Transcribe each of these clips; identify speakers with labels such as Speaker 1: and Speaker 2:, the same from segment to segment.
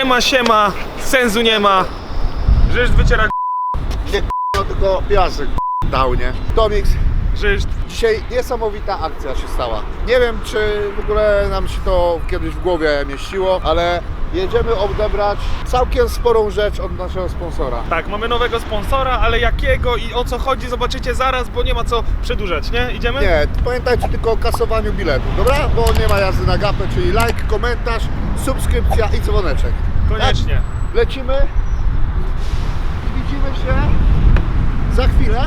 Speaker 1: Siema, sensu nie ma. Żeż wyciera
Speaker 2: Nie no, tylko piasek dał, nie? Tomix,
Speaker 1: Żeż.
Speaker 2: dzisiaj niesamowita akcja się stała. Nie wiem, czy w ogóle nam się to kiedyś w głowie mieściło, ale jedziemy odebrać całkiem sporą rzecz od naszego sponsora.
Speaker 1: Tak, mamy nowego sponsora, ale jakiego i o co chodzi zobaczycie zaraz, bo nie ma co przedłużać, nie? Idziemy?
Speaker 2: Nie, pamiętajcie tylko o kasowaniu biletu, dobra? Bo nie ma jazdy na gapę, czyli like, komentarz, subskrypcja i dzwoneczek.
Speaker 1: Koniecznie.
Speaker 2: Tak? Lecimy i widzimy się za chwilę.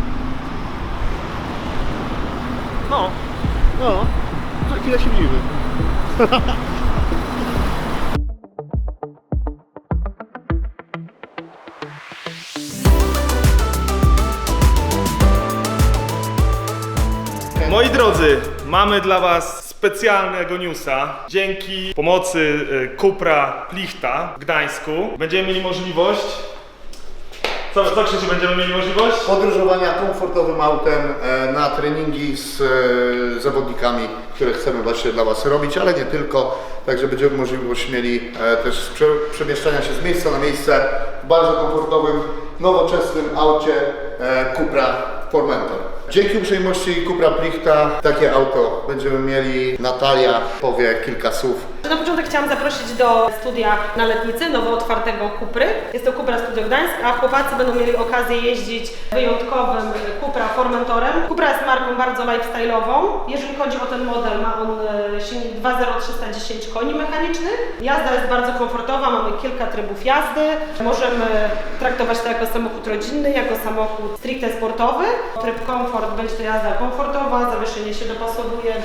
Speaker 1: No.
Speaker 2: No, za chwilę się widzimy.
Speaker 1: Moi drodzy, mamy dla Was specjalnego newsa. Dzięki pomocy Cupra Plichta w Gdańsku będziemy mieli możliwość... Co Krzysiu, będziemy mieli możliwość?
Speaker 2: Podróżowania komfortowym autem na treningi z zawodnikami, które chcemy właśnie dla Was robić, ale nie tylko. Także będziemy możliwość mieli też przemieszczania się z miejsca na miejsce w bardzo komfortowym, nowoczesnym aucie Cupra Formentor. Dzięki uprzejmości Cupra Plichta takie auto będziemy mieli. Natalia powie kilka słów.
Speaker 3: Na początek chciałam zaprosić do studia na Letnicy, nowo otwartego Cupry. Jest to Cupra Studio Gdańsk, a chłopacy będą mieli okazję jeździć wyjątkowym Cupra Formentorem. Cupra jest marką bardzo lifestyle'ową. Jeżeli chodzi o ten model, ma on silnik 2.0 310 koni mechanicznych. Jazda jest bardzo komfortowa, mamy kilka trybów jazdy. Możemy traktować to jako samochód rodzinny, jako samochód stricte sportowy. Tryb komfort będzie to jazda komfortowa, zawieszenie się dopasowuje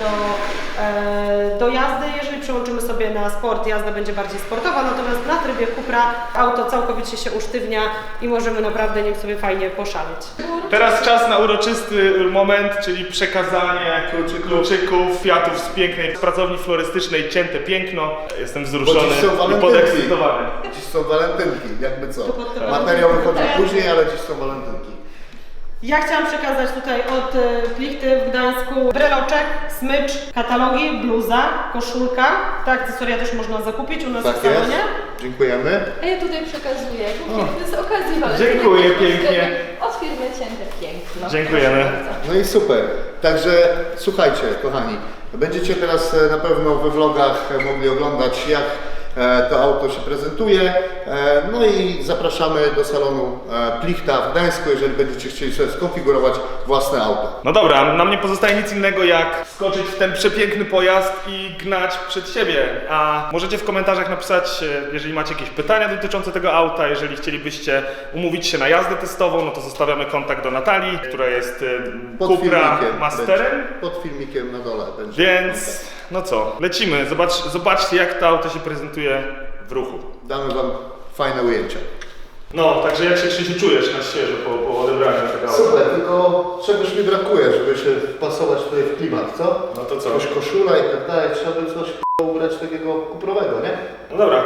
Speaker 3: do jazdy. Jeżeli przełączymy sobie na sport, jazda będzie bardziej sportowa, natomiast na trybie Cupra auto całkowicie się usztywnia i możemy naprawdę nim sobie fajnie poszaleć.
Speaker 1: Teraz czas na uroczysty moment, czyli przekazanie kluczyków, kwiatów z pięknej pracowni florystycznej Cięte Piękno. Jestem wzruszony i podekscytowany.
Speaker 2: Dziś są walentynki, jakby co. Materiał wychodzi później, ale dziś są walentynki.
Speaker 3: Ja chciałam przekazać tutaj od Plichty w Gdańsku breloczek, smycz, katalogi, bluza, koszulka. Te akcesoria też można zakupić u nas w salonie.
Speaker 2: Dziękujemy.
Speaker 4: A ja tutaj przekazuję z okazji walentynek.
Speaker 1: Dziękuję pięknie.
Speaker 4: Od firmy Cięte Piękno.
Speaker 1: Dziękujemy.
Speaker 2: No i super. Także słuchajcie, kochani, będziecie teraz na pewno we vlogach mogli oglądać, jak to auto się prezentuje. No i zapraszamy do salonu Plichta w Gdańsku, jeżeli będziecie chcieli sobie skonfigurować własne auto.
Speaker 1: No dobra, nam nie pozostaje nic innego jak skoczyć w ten przepiękny pojazd i gnać przed siebie. A możecie w komentarzach napisać, jeżeli macie jakieś pytania dotyczące tego auta, jeżeli chcielibyście umówić się na jazdę testową, no to zostawiamy kontakt do Natalii, która jest Cupra Masterem.
Speaker 2: Pod filmikiem na dole będzie.
Speaker 1: Więc no co, lecimy. Zobaczcie, jak to auto się prezentuje w ruchu.
Speaker 2: Damy Wam fajne ujęcia.
Speaker 1: No, także jak się Krzysiu czujesz na świeżo po odebraniu tego auta?
Speaker 2: Super, tylko czegoś mi brakuje, żeby się wpasować tutaj w klimat, co?
Speaker 1: No to co?
Speaker 2: Jakaś koszula i tak dalej, trzeba by coś ubrać takiego kuprowego, nie?
Speaker 1: No dobra.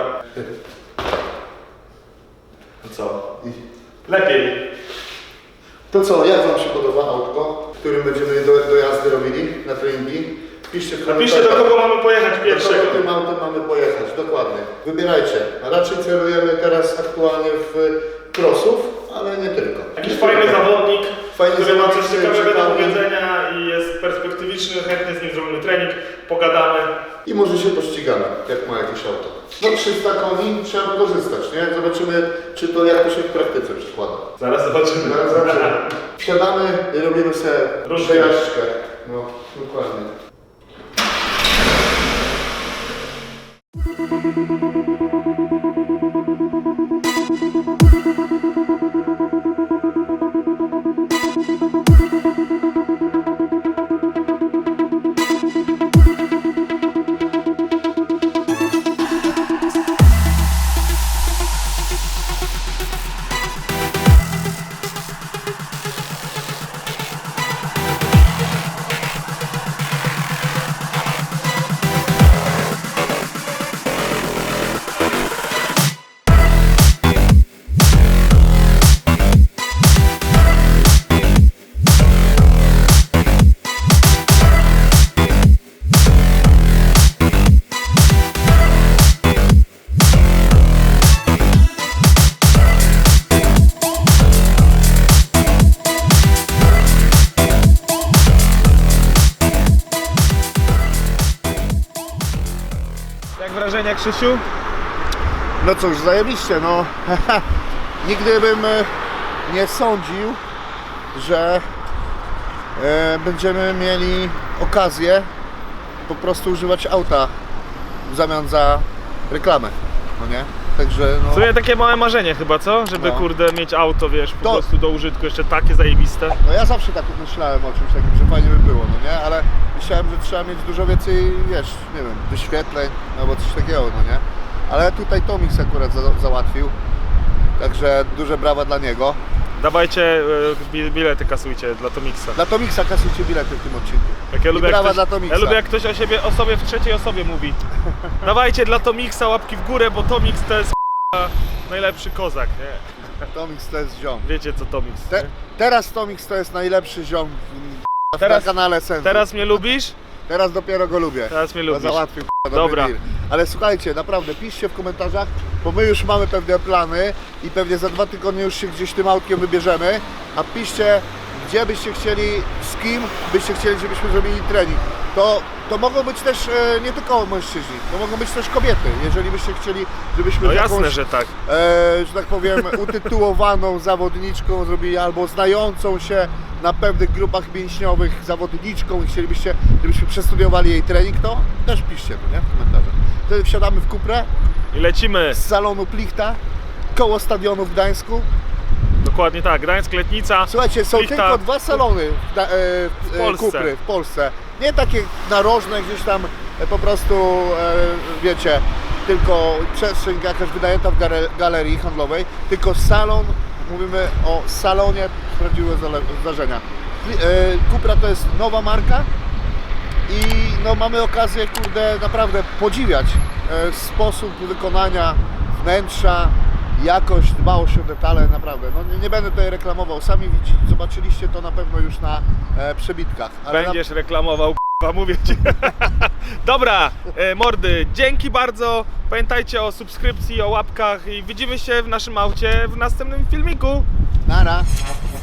Speaker 1: No co? Lepiej.
Speaker 2: To co, jak Wam się podoba autko, którym będziemy do jazdy robili na treningi? Piszcie w
Speaker 1: Napiszcie, do kogo mamy pojechać pierwszego.
Speaker 2: Do kogo tym autem mamy pojechać, dokładnie. Wybierajcie. A raczej celujemy teraz aktualnie w crossów, ale nie tylko.
Speaker 1: Jakiś fajny zawodnik, który ma coś
Speaker 2: zawodnik,
Speaker 1: ciekawego do
Speaker 2: ciekawy.
Speaker 1: powiedzenia i jest perspektywiczny, chętnie z nim zrobimy trening, pogadamy.
Speaker 2: I może się pościgamy, jak ma jakieś auto. No 300 koni trzeba wykorzystać, nie? Zobaczymy, czy to jak to się w praktyce przykłada.
Speaker 1: Zaraz zobaczymy.
Speaker 2: Zaraz zobaczymy. Wsiadamy i robimy sobie
Speaker 1: Różkę.
Speaker 2: przejażdżkę. No, dokładnie.
Speaker 1: wrażenia, Krzysiu?
Speaker 2: No cóż, zajebiście, no. Nigdy bym nie sądził, że będziemy mieli okazję po prostu używać auta w zamian za reklamę, no nie? Także no...
Speaker 1: To jest takie małe marzenie chyba, co? Żeby
Speaker 2: No.
Speaker 1: kurde mieć auto, wiesz, po
Speaker 2: To-
Speaker 1: prostu do użytku, jeszcze takie zajebiste.
Speaker 2: No ja zawsze tak myślałem o czymś takim, że fajnie by było, no nie? Ale myślałem, że trzeba mieć dużo więcej, wiesz, nie wiem, wyświetleń albo coś takiego, no nie? Ale tutaj Tomix akurat załatwił, także duże brawa dla niego.
Speaker 1: Dawajcie, bilety kasujcie dla Tomixa.
Speaker 2: Dla Tomixa kasujcie bilety w tym odcinku.
Speaker 1: Jak ja
Speaker 2: I
Speaker 1: lubię, jak
Speaker 2: brawa
Speaker 1: ktoś,
Speaker 2: dla Tomixa.
Speaker 1: ja lubię jak ktoś o sobie w trzeciej osobie mówi. Dawajcie dla Tomixa łapki w górę, bo Tomix to jest najlepszy kozak, nie?
Speaker 2: Tomix to jest ziom.
Speaker 1: Wiecie co Tomix, nie?
Speaker 2: Teraz Tomix to jest najlepszy ziom
Speaker 1: Teraz-
Speaker 2: na kanale Sensu.
Speaker 1: Teraz mnie lubisz?
Speaker 2: Teraz dopiero go lubię.
Speaker 1: Teraz mnie
Speaker 2: Bo
Speaker 1: lubisz.
Speaker 2: załatwił dobry
Speaker 1: Dobra.
Speaker 2: deal. Ale słuchajcie, naprawdę piszcie w komentarzach, bo my już mamy pewne plany i pewnie za 2 tygodnie już się gdzieś tym autkiem wybierzemy, a piszcie, gdzie byście chcieli, z kim byście chcieli, żebyśmy zrobili trening. To mogą być też nie tylko mężczyźni, to mogą być też kobiety, jeżeli byście chcieli, żebyśmy
Speaker 1: No
Speaker 2: z
Speaker 1: jasne,
Speaker 2: jakąś,
Speaker 1: że tak.
Speaker 2: że tak powiem, utytułowaną zawodniczką zrobili, albo znającą się na pewnych grupach mięśniowych zawodniczką i chcielibyście, żebyśmy przestudiowali jej trening, to też piszcie to, nie? W komentarzach. Wtedy wsiadamy w Cuprę
Speaker 1: I lecimy.
Speaker 2: z salonu Plichta, koło stadionu w Gdańsku.
Speaker 1: Dokładnie tak, Gdańsk, Letnica.
Speaker 2: Słuchajcie, są
Speaker 1: Plichta.
Speaker 2: tylko 2 salony
Speaker 1: W Polsce.
Speaker 2: Cupry w Polsce. Nie takie narożne gdzieś tam po prostu, wiecie, tylko przestrzeń jakaś wynajęta w galerii handlowej, tylko salon, mówimy o salonie prawdziwego zdarzenia. Cupra to jest nowa marka i no, mamy okazję, kurde, naprawdę podziwiać sposób wykonania wnętrza, jakość, dbałość o detale, naprawdę. No, nie będę tutaj reklamował, sami zobaczyliście to na pewno już na przebitkach. Ale
Speaker 1: Będziesz reklamował, k***a, mówię ci. Dobra, mordy, dzięki bardzo. Pamiętajcie o subskrypcji, o łapkach i widzimy się w naszym aucie w następnym filmiku.
Speaker 2: Nara.